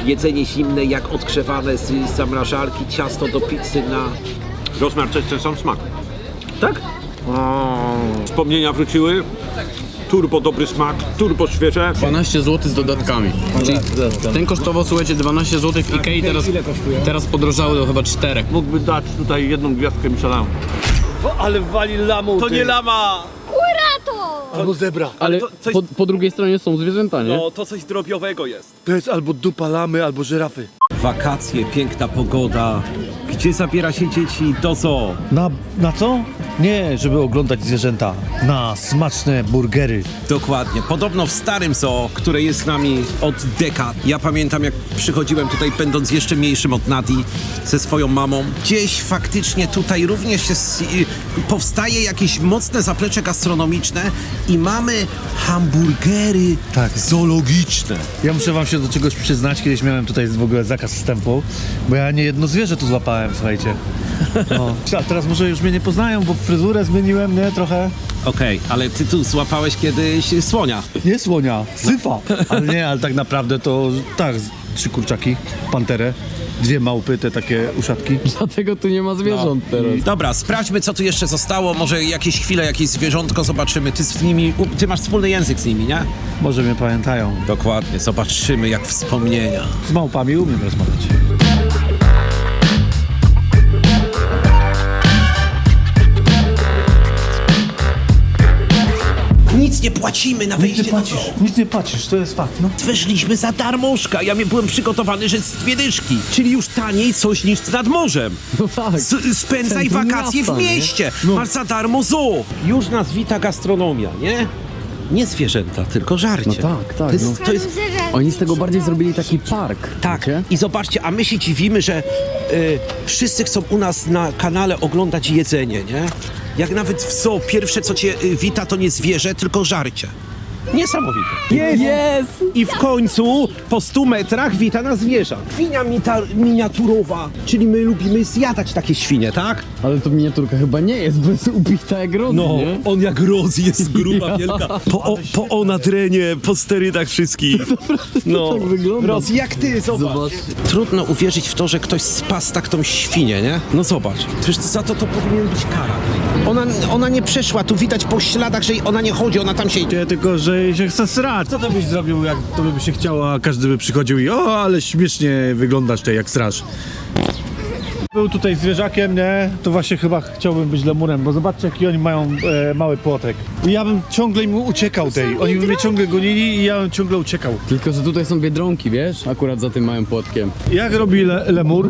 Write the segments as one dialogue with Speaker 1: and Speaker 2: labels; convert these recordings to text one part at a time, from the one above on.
Speaker 1: jedzenie zimne, jak odgrzewane z zamrażarki, ciasto do pizzy na...
Speaker 2: Rozmiar to jest ten sam smak.
Speaker 1: Tak?
Speaker 2: Wspomnienia wróciły. Turbo dobry smak, turbo świeże.
Speaker 3: 12 zł z dodatkami. Czyli ten kosztował, słuchajcie, 12 zł w Ikei, teraz podrożały do chyba 4.
Speaker 2: Mógłby dać tutaj jedną gwiazdkę Michelin.
Speaker 4: Ale wali lamą.
Speaker 2: To nie lama!
Speaker 4: Albo zebra.
Speaker 3: Ale
Speaker 2: coś-
Speaker 3: po drugiej stronie są zwierzęta, nie?
Speaker 2: No, to coś drobiowego jest.
Speaker 4: To jest albo dupa lamy, albo żyrafy.
Speaker 1: Wakacje, piękna pogoda. Gdzie zabiera się dzieci? Do zoo.
Speaker 4: Na co? Nie, żeby oglądać zwierzęta. Na smaczne burgery.
Speaker 1: Dokładnie. Podobno w starym zoo, które jest z nami od dekad. Ja pamiętam, jak przychodziłem tutaj, będąc jeszcze mniejszym od Nadi, ze swoją mamą. Gdzieś faktycznie tutaj również powstaje jakieś mocne zaplecze gastronomiczne i mamy hamburgery zoologiczne.
Speaker 4: Ja muszę wam się do czegoś przyznać. Kiedyś miałem tutaj w ogóle zakaz wstępu, bo ja nie jedno zwierzę tu złapałem, słuchajcie. No. A teraz może już mnie nie poznają, bo fryzurę zmieniłem, nie? Trochę.
Speaker 1: Okej, ale ty tu złapałeś kiedyś słonia.
Speaker 4: Nie słonia, syfa. Ale nie, ale tak naprawdę to tak, 3 kurczaki, panterę, 2 małpy, te takie uszatki.
Speaker 3: Dlatego tu nie ma zwierząt teraz.
Speaker 1: Dobra, sprawdźmy, co tu jeszcze zostało. Może jakieś chwile, jakieś zwierzątko zobaczymy. Ty z nimi, ty masz wspólny język z nimi, nie?
Speaker 4: Może mnie pamiętają.
Speaker 1: Dokładnie, zobaczymy jak wspomnienia.
Speaker 4: Z małpami umiem rozmawiać.
Speaker 1: Nic nie płacimy na wejście do zoo.
Speaker 4: Nic nie płacisz, to jest fakt, no.
Speaker 1: Weszliśmy za darmożka. Ja byłem przygotowany, że z 2 dyszki. Czyli już taniej coś niż nad morzem.
Speaker 3: No tak.
Speaker 1: Spędzaj
Speaker 3: Centrum
Speaker 1: wakacje
Speaker 3: miasta,
Speaker 1: w mieście.
Speaker 3: nie?
Speaker 1: Masz za darmo zoo. Już nas wita gastronomia, nie? Nie zwierzęta, tylko żarcie.
Speaker 3: No tak, tak,
Speaker 1: To jest,
Speaker 3: no.
Speaker 1: to jest,
Speaker 3: Oni z tego bardziej zrobili taki park.
Speaker 1: tak.
Speaker 3: wiecie?
Speaker 1: I zobaczcie, a my się dziwimy, że wszyscy chcą u nas na kanale oglądać jedzenie, nie? Jak nawet w zoo pierwsze, co cię wita, to nie zwierzę, tylko żarcie. Niesamowite.
Speaker 3: Jest!
Speaker 1: I w końcu po 100 metrach wita nas zwierzę. Świnia miniaturowa, czyli my lubimy zjadać takie świnie, tak?
Speaker 3: Ale to miniaturka chyba nie jest, bo jest ubita jak Rozy, nie?
Speaker 1: on jak Roz jest gruba, wielka. Po nadrenie, po sterydach wszystkich. No,
Speaker 3: tak wygląda.
Speaker 1: Roz, jak ty, zobacz. Trudno uwierzyć w to, że ktoś spasł tak tą świnię, nie? No zobacz, przecież za to powinien być kara. Ona nie przeszła, tu widać po śladach, że ona nie chodzi, ona tam się...
Speaker 4: Nie, tylko, że jej się chce srać. Co to byś zrobił, jak to by się chciało, a każdy by przychodził i ale śmiesznie wyglądasz tutaj jak straż. Był tutaj zwierzakiem, nie? To właśnie chyba chciałbym być lemurem, bo zobaczcie, jaki oni mają mały płotek. I ja bym ciągle im uciekał tej. Oni by mnie ciągle gonili i ja bym ciągle uciekał.
Speaker 3: Tylko, że tutaj są biedronki, wiesz? Akurat za tym małym płotkiem.
Speaker 4: Jak robi lemur?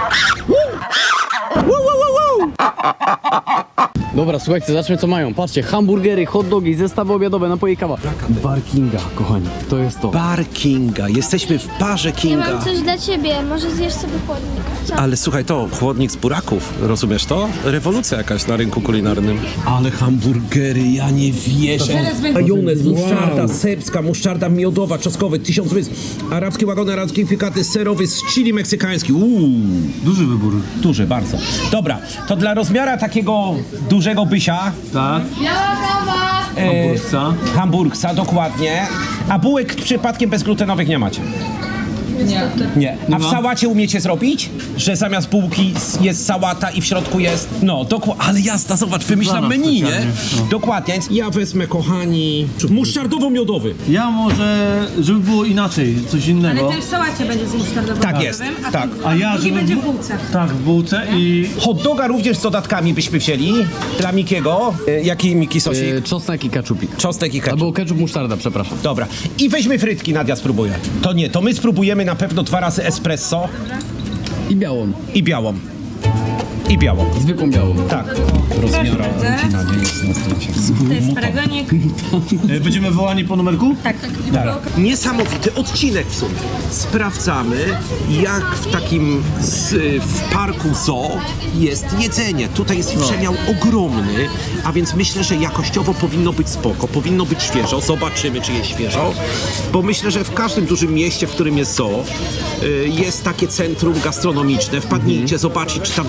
Speaker 3: Dobra, słuchajcie, zobaczmy co mają. Patrzcie, hamburgery, hot dogi, zestawy obiadowe, napoje, kawa. Bar Kinga, kochani, to jest to.
Speaker 1: Bar Kinga, jesteśmy w barze
Speaker 5: Ja
Speaker 1: Kinga.
Speaker 5: mam coś dla ciebie, może zjesz sobie chłodnik. Co?
Speaker 1: Ale słuchaj, to chłodnik z buraków, rozumiesz to? Rewolucja jakaś na rynku kulinarnym. Ale hamburgery, ja nie wierzę. Majonez, musztarda serbska, musztarda miodowa, czosnkowy, 1000 rys, arabskie wagony, arabskie pikaty, serowy z chili meksykański.
Speaker 4: Duży wybór.
Speaker 1: Duży, bardzo. Dobra, to dla rozmiara takiego dużego bysia,
Speaker 4: Tak. Hamburgca.
Speaker 1: hamburgsa, dokładnie. A bułek przypadkiem bezglutenowych nie macie? Nie. A w sałacie umiecie zrobić? Że zamiast bułki jest sałata i w środku jest... No, dokładnie. Ale jasna, zobacz, wymyślam
Speaker 4: Dla nas
Speaker 1: menu, nie?
Speaker 4: specjalnie, no.
Speaker 1: Dokładnie. Więc ja wezmę, kochani, musztardowo-miodowy.
Speaker 4: Ja może, żeby było inaczej, coś innego.
Speaker 6: Ale ten w sałacie będzie z musztardowym
Speaker 1: Tak jest,
Speaker 6: a
Speaker 1: tak.
Speaker 4: A ja,
Speaker 6: drugi
Speaker 4: żeby...
Speaker 6: będzie w bułce.
Speaker 4: Tak, w bułce i...
Speaker 1: Hot doga również z dodatkami byśmy wzięli. Dla Mikiego. Jaki Miki sosik?
Speaker 3: Czosnek i keczupik.
Speaker 1: Czosnek i ketchup.
Speaker 3: Albo ketchup, musztarda, przepraszam.
Speaker 1: Dobra. I weźmy frytki, Nadia spróbuje. To nie, to my spróbujemy na pewno 2 razy espresso
Speaker 3: I białą.
Speaker 1: i białą. I białą.
Speaker 3: Zwykłą białą.
Speaker 1: Tak.
Speaker 6: Proszę bardzo. To jest paragonik.
Speaker 4: Będziemy wołani po numerku?
Speaker 6: Tak.
Speaker 1: Niesamowity odcinek w sumie. Sprawdzamy, jak w takim w parku zoo jest jedzenie. Tutaj jest przemiał ogromny, a więc myślę, że jakościowo powinno być spoko, powinno być świeżo. Zobaczymy, czy jest świeżo, bo myślę, że w każdym dużym mieście, w którym jest zoo, jest takie centrum gastronomiczne. Wpadnijcie, zobaczcie, czy tam też są takie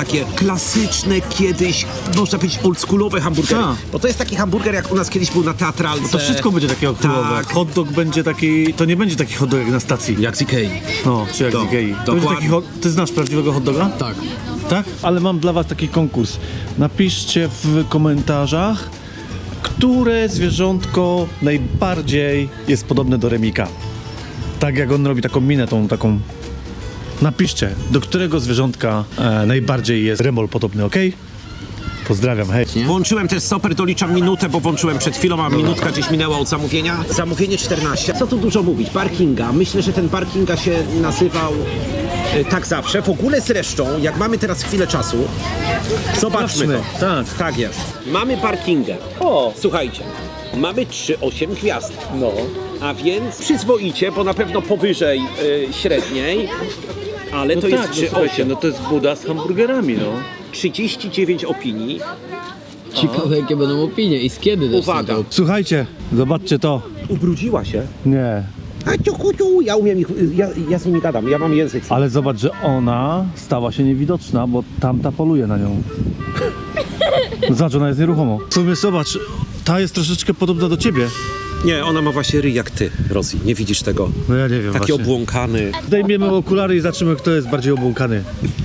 Speaker 1: takie klasyczne kiedyś, można powiedzieć oldschoolowe hamburgery.
Speaker 4: Tak.
Speaker 1: Bo to jest taki hamburger, jak u nas kiedyś był na Teatralce.
Speaker 4: To wszystko będzie takie okrugowe.
Speaker 1: Tak.
Speaker 4: Hot dog będzie taki, to nie będzie taki hot dog jak na stacji.
Speaker 1: Jak z Ikei.
Speaker 4: No, czy jak
Speaker 1: To,
Speaker 4: z Ikei. To będzie
Speaker 1: dokładnie.
Speaker 4: taki ty znasz prawdziwego hot doga?
Speaker 3: Tak.
Speaker 4: Tak? Ale mam dla was taki konkurs. Napiszcie w komentarzach, które zwierzątko najbardziej jest podobne do Remika. Tak jak on robi taką minę, tą taką... Napiszcie, do którego zwierzątka najbardziej jest Remol podobny, ok? Pozdrawiam, hej.
Speaker 1: Włączyłem też stoper, doliczam minutę, bo włączyłem przed chwilą, a minutka gdzieś minęła od zamówienia. Zamówienie 14. Co tu dużo mówić? Barkinga. Myślę, że ten Barkinga się nazywał tak zawsze. W ogóle zresztą, jak mamy teraz chwilę czasu, zobaczmy to.
Speaker 4: Tak.
Speaker 1: Tak jest. Mamy Barkingę. O! Słuchajcie, mamy 3,8 gwiazdki.
Speaker 2: No.
Speaker 1: A więc przyzwoicie, bo na pewno powyżej średniej, ale to jest 3,8.
Speaker 2: no to jest Buda z hamburgerami, no.
Speaker 1: 39 opinii.
Speaker 3: Ciekawe jakie będą opinie i z kiedy też są
Speaker 1: Uwaga.
Speaker 3: te
Speaker 4: Słuchajcie, zobaczcie to.
Speaker 1: Ubrudziła się.
Speaker 4: Nie.
Speaker 1: A ciu, ja umiem ich, ja z nimi gadam, ja mam język.
Speaker 4: Ale zobacz, że ona stała się niewidoczna, bo tamta poluje na nią. Zobacz, ona jest nieruchomo. W sumie zobacz, ta jest troszeczkę podobna do ciebie.
Speaker 1: Nie, ona ma właśnie ryj jak ty, Rosji. Nie widzisz tego?
Speaker 4: No ja nie wiem
Speaker 1: Taki
Speaker 4: właśnie.
Speaker 1: obłąkany.
Speaker 4: Zdejmiemy okulary i zobaczymy, kto jest bardziej obłąkany.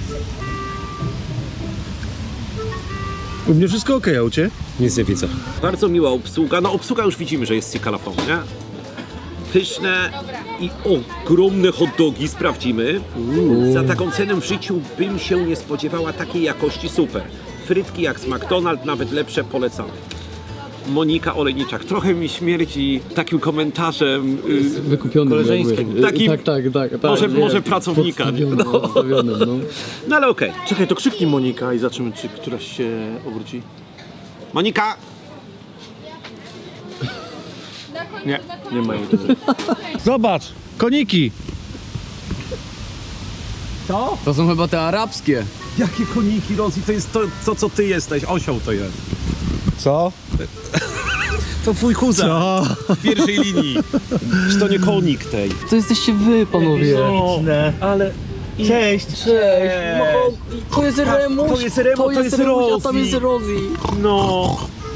Speaker 4: U mnie wszystko okej, a u cię?
Speaker 1: Nic nie widzę. Bardzo miła obsługa. No obsługa już widzimy, że jest cikalafon, nie? Pyszne i ogromne hot dogi, sprawdzimy. Za taką cenę w życiu bym się nie spodziewała takiej jakości, super. Frytki jak z McDonald's, nawet lepsze, polecam. Monika Olejniczak. Trochę mi śmierdzi takim komentarzem
Speaker 3: wykupionym.
Speaker 2: koleżeńskim.
Speaker 3: jakby.
Speaker 1: Takim-
Speaker 3: Tak.
Speaker 1: może pracownika.
Speaker 3: Podstawionym, no.
Speaker 1: No ale okej.
Speaker 2: Czekaj, to krzyknij Monika i zobaczymy, czy któraś się obróci.
Speaker 1: Monika!
Speaker 2: Nie ma jej tutaj.
Speaker 4: Zobacz, koniki.
Speaker 3: To są chyba te arabskie.
Speaker 1: Jakie koniki, Rosji? To jest to, co ty jesteś. Osioł to jest.
Speaker 4: Co?
Speaker 1: To twój kuzyn
Speaker 4: Co?
Speaker 1: w pierwszej linii. Czy to nie konik tej?
Speaker 3: To jesteście wy, panowie.
Speaker 4: Ale... Cześć.
Speaker 3: Cześć. To jest Remuś.
Speaker 1: to jest Remuś, to jest
Speaker 3: Remuś, a tam
Speaker 1: Rosie.
Speaker 3: jest Rosie.
Speaker 1: No.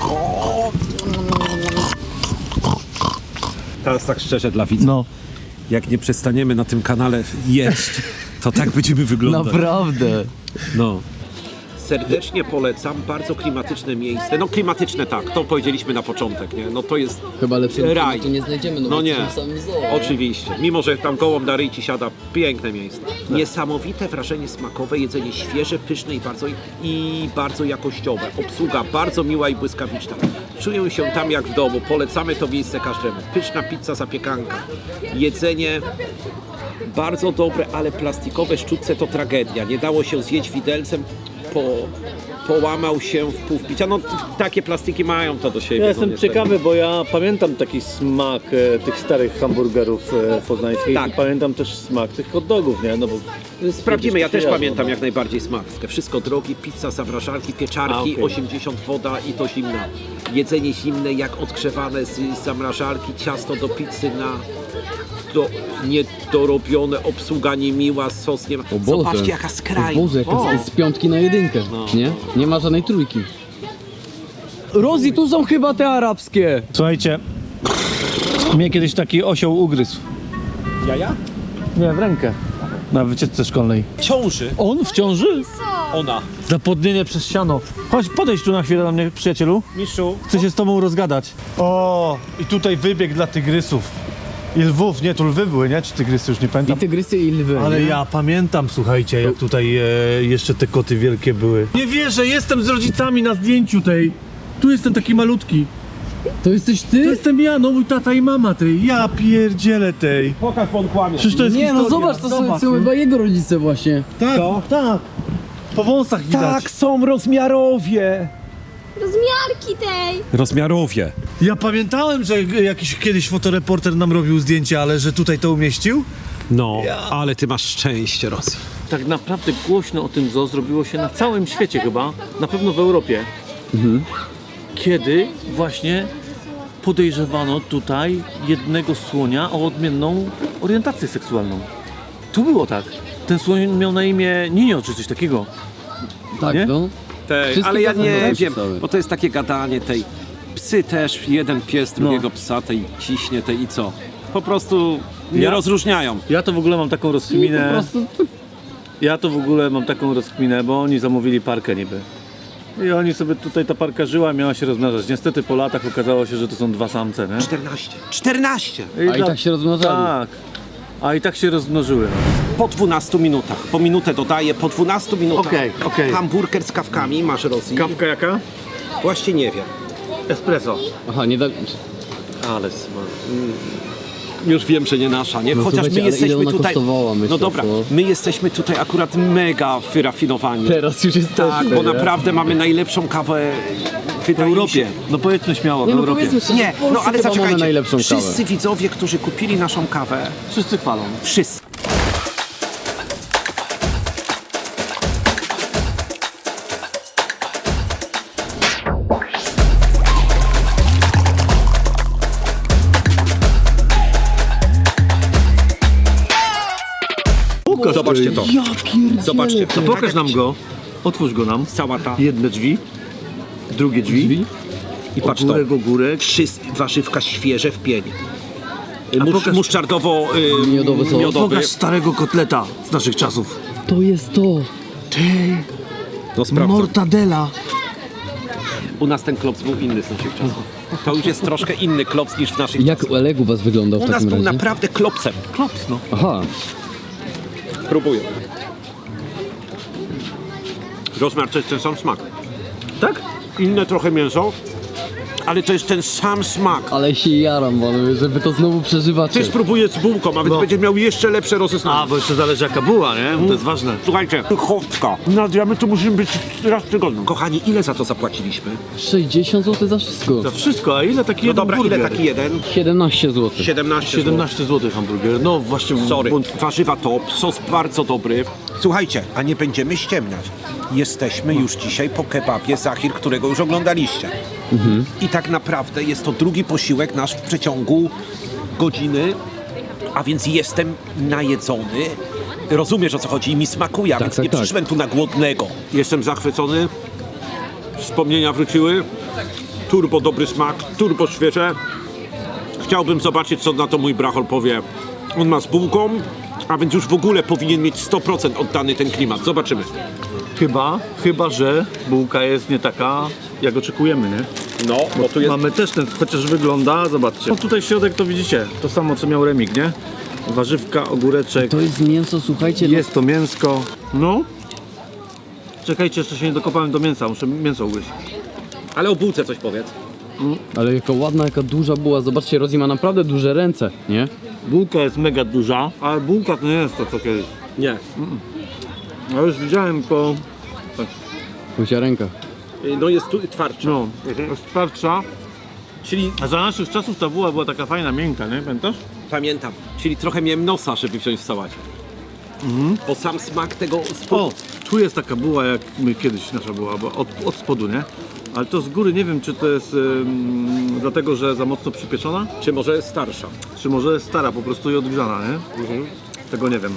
Speaker 1: Teraz tak szczerze dla widzów.
Speaker 4: No.
Speaker 1: Jak nie przestaniemy na tym kanale jeść, to tak będziemy wyglądać.
Speaker 3: Naprawdę.
Speaker 1: No. Serdecznie polecam, bardzo klimatyczne miejsce. No klimatyczne tak, to powiedzieliśmy na początek, nie? No to jest
Speaker 3: Chyba lepszego
Speaker 1: raj.
Speaker 3: tu nie znajdziemy.
Speaker 1: No
Speaker 3: bo
Speaker 1: nie,
Speaker 3: jesteśmy w samym zoo.
Speaker 1: oczywiście. Mimo, że tam gołąb na ryj ci siada, piękne miejsce. Niesamowite wrażenie smakowe, jedzenie świeże, pyszne i bardzo jakościowe. Obsługa bardzo miła i błyskawiczna. Czuję się tam jak w domu, polecamy to miejsce każdemu. Pyszna pizza, zapiekanka. Jedzenie bardzo dobre, ale plastikowe sztućce to tragedia. Nie dało się zjeść widelcem, połamał się w pół wpicia. No takie plastiki mają to do siebie.
Speaker 2: Ja
Speaker 1: no,
Speaker 2: jestem
Speaker 1: niestety.
Speaker 2: ciekawy, bo ja pamiętam taki smak tych starych hamburgerów poznańskich
Speaker 1: Tak.
Speaker 2: i pamiętam też smak tych hot dogów, nie? No bo
Speaker 1: Sprawdzimy, ja też
Speaker 2: kojarzą,
Speaker 1: pamiętam
Speaker 2: no.
Speaker 1: jak najbardziej smak. Wszystko drogie, pizza, zamrażarki, pieczarki,
Speaker 2: A, okej.
Speaker 1: 80 woda i to zimna. Jedzenie zimne, jak odgrzewane z zamrażarki, ciasto do pizzy niedorobione, obsługa niemiła, sos nie ma.
Speaker 3: O Boże.
Speaker 1: Zobaczcie jaka
Speaker 3: O
Speaker 1: skrajna.
Speaker 3: Boże, jaka z 5 na 1. Nie? Nie ma żadnej trójki. Rosie, tu są chyba te arabskie.
Speaker 4: Słuchajcie, mnie kiedyś taki osioł ugryzł.
Speaker 1: Jaja?
Speaker 4: Nie, w rękę. Na wycieczce szkolnej.
Speaker 1: Ciąży.
Speaker 4: On w ciąży?
Speaker 1: Ona.
Speaker 4: Zapłodnienie przez siano. Chodź, podejdź tu na chwilę do mnie, przyjacielu.
Speaker 1: Mistrzu.
Speaker 4: Chcę się z tobą rozgadać. O, i tutaj wybieg dla tygrysów. I lwów, nie, tu lwy były, nie? Czy tygrysy, już nie
Speaker 3: I
Speaker 4: pamiętam.
Speaker 3: tygrysy i lwy.
Speaker 4: Ale
Speaker 3: nie?
Speaker 4: ja pamiętam, słuchajcie, jak tutaj jeszcze te koty wielkie były. Nie wierzę, jestem z rodzicami na zdjęciu tej. Tu jestem taki malutki.
Speaker 3: To jesteś
Speaker 4: To
Speaker 3: ty?
Speaker 4: jestem ja, no mój tata i mama tej. Ja pierdzielę tej.
Speaker 1: Pokaż, bo on kłamie.
Speaker 4: Przecież to jest
Speaker 3: Nie, no
Speaker 4: historia.
Speaker 3: zobacz, to są chyba jego rodzice właśnie.
Speaker 4: Tak, tak. Po wąsach widać.
Speaker 1: Tak, są rozmiarowie.
Speaker 5: Rozmiarki tej.
Speaker 1: Rozmiarowie.
Speaker 4: Ja pamiętałem, że jakiś kiedyś fotoreporter nam robił zdjęcia, ale że tutaj to umieścił?
Speaker 1: No, ale ty masz szczęście, Rosji.
Speaker 2: Tak naprawdę głośno o tym zoo zrobiło się na całym świecie chyba, na pewno w Europie. Kiedy właśnie podejrzewano tutaj jednego słonia o odmienną orientację seksualną. Tu było tak. Ten słoń miał na imię Ninio czy coś takiego.
Speaker 3: Tak,
Speaker 2: Nie?
Speaker 3: no. Wszystkie
Speaker 1: Ale ja
Speaker 3: gazety
Speaker 1: nie
Speaker 3: tam
Speaker 1: wiem,
Speaker 3: pisały.
Speaker 1: bo to jest takie gadanie tej. Psy też, jeden pies, drugiego psa, tej ciśnie, tej i co? Po prostu nie
Speaker 2: Ja-
Speaker 1: rozróżniają.
Speaker 2: Ja to w ogóle mam taką
Speaker 3: Po
Speaker 2: rozkminę.
Speaker 3: prostu
Speaker 2: Ja to w ogóle mam taką rozkminę, bo oni zamówili parkę niby. I oni sobie tutaj, ta parka żyła, miała się rozmnażać. Niestety po latach okazało się, że to są dwa samce, nie?
Speaker 1: 14!
Speaker 3: A i tak się rozmnażali.
Speaker 2: Tak. A i tak się rozmnożyły.
Speaker 1: Po 12 minutach, po minutę dodaję, po 12 minutach
Speaker 2: Okej.
Speaker 1: hamburger z kawkami, masz Rosji?
Speaker 2: Kawka jaka?
Speaker 1: Właśnie nie wiem.
Speaker 2: Espresso.
Speaker 3: Aha, nie da...
Speaker 1: Ale już wiem, że nie nasza, nie?
Speaker 3: No
Speaker 1: Chociaż
Speaker 3: słuchajcie,
Speaker 1: my
Speaker 3: ale
Speaker 1: jesteśmy
Speaker 3: ile ona
Speaker 1: tutaj.
Speaker 3: kosztowała, myślę,
Speaker 1: No dobra,
Speaker 3: co?
Speaker 1: my jesteśmy tutaj akurat mega wyrafinowani.
Speaker 3: Teraz już jest
Speaker 1: Tak, bo naprawdę mamy najlepszą kawę
Speaker 2: W
Speaker 1: wydaje mi
Speaker 2: Europie.
Speaker 1: się.
Speaker 2: No powiedzmy śmiało, w
Speaker 3: Nie, no
Speaker 2: Europie.
Speaker 3: powiedzmy szczerze,
Speaker 1: Nie,
Speaker 3: w Polsce
Speaker 1: no ale
Speaker 3: chyba mamy
Speaker 1: zaczekajcie.
Speaker 3: najlepszą
Speaker 1: Wszyscy
Speaker 3: kawę.
Speaker 1: widzowie, którzy kupili naszą kawę,
Speaker 2: Wszyscy chwalą.
Speaker 1: wszyscy. Zobaczcie to. Zobaczcie.
Speaker 2: To pokaż nam go. Otwórz go nam.
Speaker 1: Cała ta.
Speaker 2: Jedne drzwi. Drugie drzwi.
Speaker 1: I patrz to.
Speaker 2: Ogórek, ogórek.
Speaker 1: Wszystkie warzywka świeże w pień.
Speaker 2: pokaż-
Speaker 1: Muszczardowo
Speaker 3: Miodowy sos.
Speaker 1: miodowy.
Speaker 2: Pokaż starego kotleta z naszych czasów.
Speaker 3: To jest to.
Speaker 1: No sprawdzam.
Speaker 2: Mortadela.
Speaker 1: U nas ten klops był inny z naszych czasów. To już jest troszkę inny klops niż w naszych
Speaker 3: Jak
Speaker 1: czasach.
Speaker 3: Oleg u was wyglądał w
Speaker 1: U nas
Speaker 3: takim
Speaker 1: był
Speaker 3: razie?
Speaker 1: naprawdę klopsem.
Speaker 2: Klops, no.
Speaker 3: Aha,
Speaker 1: Próbuję. Rozmiar to jest ten sam smak.
Speaker 2: Tak?
Speaker 1: Inne trochę mięso, ale to jest ten sam smak.
Speaker 3: ale się jaram, panowie, żeby to znowu przeżywacie.
Speaker 1: Ty spróbuję z bułką, a więc
Speaker 2: No.
Speaker 1: będzie miał jeszcze lepsze rozeznanie.
Speaker 2: A, bo jeszcze zależy jaka była, nie? To jest ważne.
Speaker 1: Słuchajcie, chowka. Nadjamy tu musimy być raz w tygodniu. Kochani, ile za to zapłaciliśmy?
Speaker 3: 60 zł za wszystko.
Speaker 2: Za wszystko, a ile taki
Speaker 1: No
Speaker 2: jeden
Speaker 1: dobra,
Speaker 2: burger?
Speaker 1: ile taki jeden?
Speaker 3: 17 zł.
Speaker 1: 17 zł.
Speaker 2: 17 zł hamburger. No właśnie.
Speaker 1: Sorry. Warzywa top, sos bardzo dobry. Słuchajcie, a nie będziemy ściemniać. Jesteśmy już dzisiaj po kebabie Zahir, którego już oglądaliście. I tak naprawdę jest to drugi posiłek nasz w przeciągu godziny, a więc jestem najedzony. Rozumiesz, o co chodzi i mi smakuje, a więc
Speaker 3: tak,
Speaker 1: nie
Speaker 3: tak.
Speaker 1: przyszłem tu na głodnego. Jestem zachwycony. Wspomnienia wróciły. Turbo dobry smak, turbo świeże. Chciałbym zobaczyć, co na to mój brachol powie. On ma z bułką, a więc już w ogóle powinien mieć 100% oddany ten klimat. Zobaczymy.
Speaker 2: Chyba, że bułka jest nie taka, jak oczekujemy, nie?
Speaker 1: No, bo tu jest...
Speaker 2: Mamy też ten, chociaż wygląda, zobaczcie. No tutaj środek to widzicie, to samo co miał Remik, nie? Warzywka, ogóreczek,
Speaker 3: To jest mięso, słuchajcie,
Speaker 2: jest to mięsko. No. Czekajcie, jeszcze się nie dokopałem do mięsa, muszę mięso ugryźć.
Speaker 1: Ale o bułce coś powiedz.
Speaker 3: ale jaka ładna, jaka duża była. Zobaczcie, Rozi ma naprawdę duże ręce, nie?
Speaker 2: Bułka jest mega duża, ale bułka to nie jest to co kiedyś.
Speaker 1: Nie.
Speaker 2: Ja już widziałem po...
Speaker 3: Łysia ręka.
Speaker 1: No jest tu twardszy.
Speaker 2: No, jest twardsza.
Speaker 1: Czyli,
Speaker 2: A za naszych czasów ta buła była taka fajna, miękka, nie? Pamiętasz?
Speaker 1: pamiętam, czyli trochę miałem nosa, żeby wziąć w sałacie. Bo sam smak tego...
Speaker 2: O, tu jest taka buła, jak my kiedyś nasza była, bo od spodu, nie? Ale to z góry nie wiem, czy to jest dlatego, że za mocno przypieczona,
Speaker 1: Czy może starsza?
Speaker 2: czy może jest stara po prostu i odgrzana, nie? Tego nie wiem.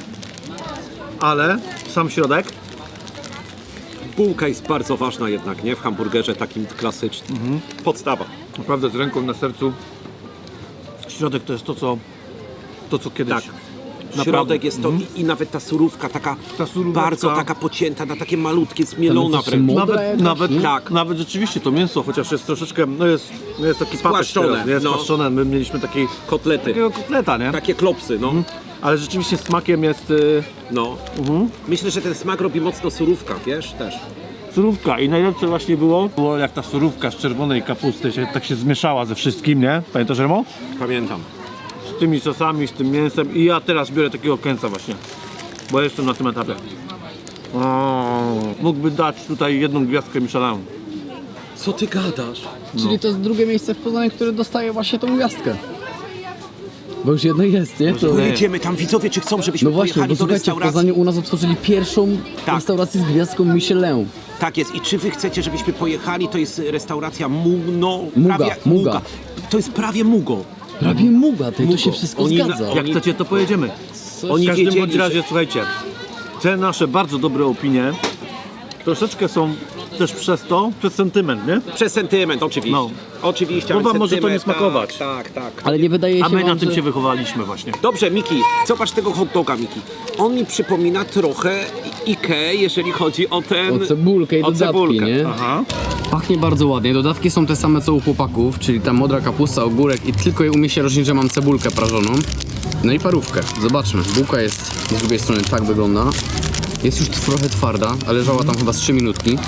Speaker 2: Ale sam środek,
Speaker 1: Bułka jest bardzo ważna jednak, nie? W hamburgerze takim klasycznym. Podstawa.
Speaker 2: naprawdę z ręką na sercu, środek to jest to co kiedyś.
Speaker 1: Tak.
Speaker 2: Naprawdę.
Speaker 1: Środek jest to i nawet ta surówka taka
Speaker 2: Ta suróweczka.
Speaker 1: bardzo taka pocięta na takie malutkie, zmielona
Speaker 3: Tam jest
Speaker 1: wręcz.
Speaker 3: jeszcze
Speaker 2: Nawet,
Speaker 3: jakaś,
Speaker 2: nawet,
Speaker 3: nie?
Speaker 2: tak. Nawet rzeczywiście to mięso, chociaż jest troszeczkę, no jest taki
Speaker 1: Spłaszczone,
Speaker 2: papesz teraz, jest
Speaker 1: no.
Speaker 2: spłaszczone. My mieliśmy
Speaker 1: Kotlety.
Speaker 2: takiego kotleta, nie?
Speaker 1: Takie klopsy, no.
Speaker 2: Ale rzeczywiście smakiem jest
Speaker 1: No. Myślę, że ten smak robi mocno surówka, wiesz, też.
Speaker 2: surówka i najlepsze właśnie było jak ta surówka z czerwonej kapusty tak się zmieszała ze wszystkim, nie? Pamiętasz, Remo?
Speaker 1: Pamiętam.
Speaker 2: Z tymi sosami, z tym mięsem i ja teraz biorę takiego kęsa właśnie, bo jestem na tym etapie. Mógłby dać tutaj jedną gwiazdkę Michelin.
Speaker 1: Co ty gadasz?
Speaker 3: Czyli to jest drugie miejsce w Poznaniu, które dostaje właśnie tą gwiazdkę. Bo już jedno jest, nie? To...
Speaker 1: Pojedziemy tam, widzowie, czy chcą, żebyśmy
Speaker 3: No właśnie,
Speaker 1: pojechali
Speaker 3: bo
Speaker 1: do
Speaker 3: słuchajcie, w
Speaker 1: restauracji?
Speaker 3: Poznaniu u nas otworzyli pierwszą
Speaker 1: Tak.
Speaker 3: restaurację z gwiazdką Michelin.
Speaker 1: Tak jest. I czy wy chcecie, żebyśmy pojechali? To jest restauracja Mugo.
Speaker 3: Muga.
Speaker 1: To jest prawie Mugo.
Speaker 3: Prawie muga, to
Speaker 1: Mugo.
Speaker 3: się wszystko
Speaker 1: Oni-
Speaker 3: zgadza.
Speaker 2: Jak chcecie, to pojedziemy.
Speaker 1: Oni
Speaker 2: W każdym
Speaker 1: wiedzieli,
Speaker 2: bądź razie, słuchajcie, te nasze bardzo dobre opinie Troszeczkę są też przez sentyment, nie?
Speaker 1: Przez sentyment, oczywiście.
Speaker 2: No.
Speaker 1: Oczywiście,
Speaker 2: Bo
Speaker 1: ale
Speaker 2: wam może to nie
Speaker 1: sentyment,
Speaker 2: smakować.
Speaker 1: Tak.
Speaker 3: Ale nie wydaje się
Speaker 2: A my
Speaker 3: wam,
Speaker 2: na tym
Speaker 3: że...
Speaker 2: się wychowaliśmy właśnie.
Speaker 1: Dobrze, Miki, zobacz tego hot doga, Miki. On mi przypomina trochę Ikea, jeżeli chodzi o ten...
Speaker 3: O cebulkę i
Speaker 1: o
Speaker 3: dodatki,
Speaker 1: cebulkę.
Speaker 3: nie?
Speaker 2: Aha.
Speaker 3: Pachnie bardzo ładnie. Dodatki są te same co u chłopaków, czyli ta modra kapusta, ogórek i tylko je umie się różnić, że mam cebulkę prażoną. No i parówkę. Zobaczmy. Bułka jest z drugiej strony, tak wygląda. Jest już trochę twarda, ale leżała tam chyba z 3 minutki.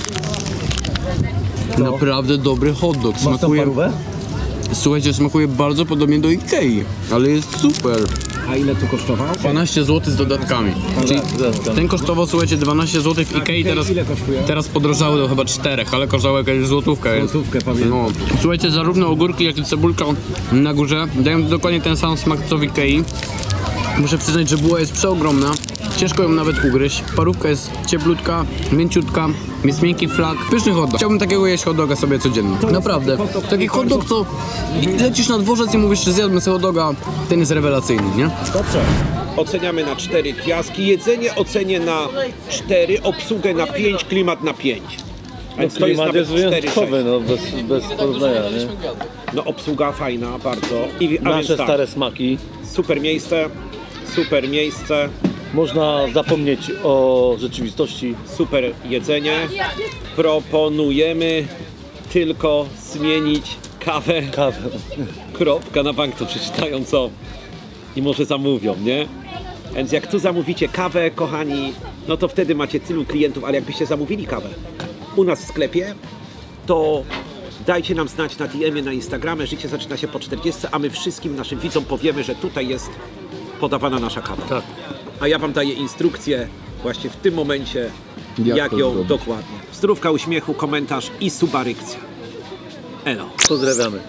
Speaker 3: Naprawdę dobry hot dog.
Speaker 2: Masz tą
Speaker 3: Smakuje,
Speaker 2: parówę?
Speaker 3: słuchajcie, smakuje bardzo podobnie do Ikei, ale jest super.
Speaker 1: A ile tu kosztował?
Speaker 3: 12 zł z dodatkami. Czyli ten kosztował, słuchajcie, 12 zł w Ikei, teraz,
Speaker 1: ile kosztuje?
Speaker 3: teraz podrożały do chyba 4, ale kosztował jakąś złotówkę. Jest.
Speaker 1: Złotówkę, pamiętam.
Speaker 3: No. Słuchajcie, zarówno ogórki, jak i cebulka na górze dają dokładnie ten sam smak co w Ikei. Muszę przyznać, że buła jest przeogromna. Ciężko ją nawet ugryźć. Parówka jest cieplutka, mięciutka, jest miękki flak. Pyszny hot dog. Chciałbym takiego jeść hot doga sobie codziennie. Naprawdę. Taki hot dog, co lecisz na dworzec i mówisz, że zjadłbym sobie hot doga, ten jest rewelacyjny, nie?
Speaker 1: Dobrze. Oceniamy na 4 gwiazdki. Jedzenie ocenię na 4, obsługę na 5, klimat na 5. Więc to jest
Speaker 2: Klimat
Speaker 1: nawet
Speaker 2: jest wyjątkowy,
Speaker 1: 4-6.
Speaker 2: no bez porównania, nie?
Speaker 1: No obsługa fajna, bardzo. A więc
Speaker 2: Nasze
Speaker 1: tak,
Speaker 2: stare smaki.
Speaker 1: super miejsce,
Speaker 2: Można zapomnieć o rzeczywistości.
Speaker 1: super jedzenie. Proponujemy tylko zmienić kawę.
Speaker 2: Kawę.
Speaker 1: Kropka na bank to przeczytają co i może zamówią, nie? Więc jak tu zamówicie kawę, kochani, no to wtedy macie tylu klientów, ale jakbyście zamówili kawę u nas w sklepie, to dajcie nam znać na DM-ie, na Instagramie, życie zaczyna się po 40, a my wszystkim naszym widzom powiemy, że tutaj jest podawana nasza kawa.
Speaker 2: Tak.
Speaker 1: A ja wam daję instrukcję właśnie w tym momencie,
Speaker 3: Jak
Speaker 1: jak
Speaker 3: to
Speaker 1: ją
Speaker 3: zrobić.
Speaker 1: dokładnie. Zdrówka, uśmiechu, komentarz i subarykcja. Elo.
Speaker 2: Pozdrawiamy.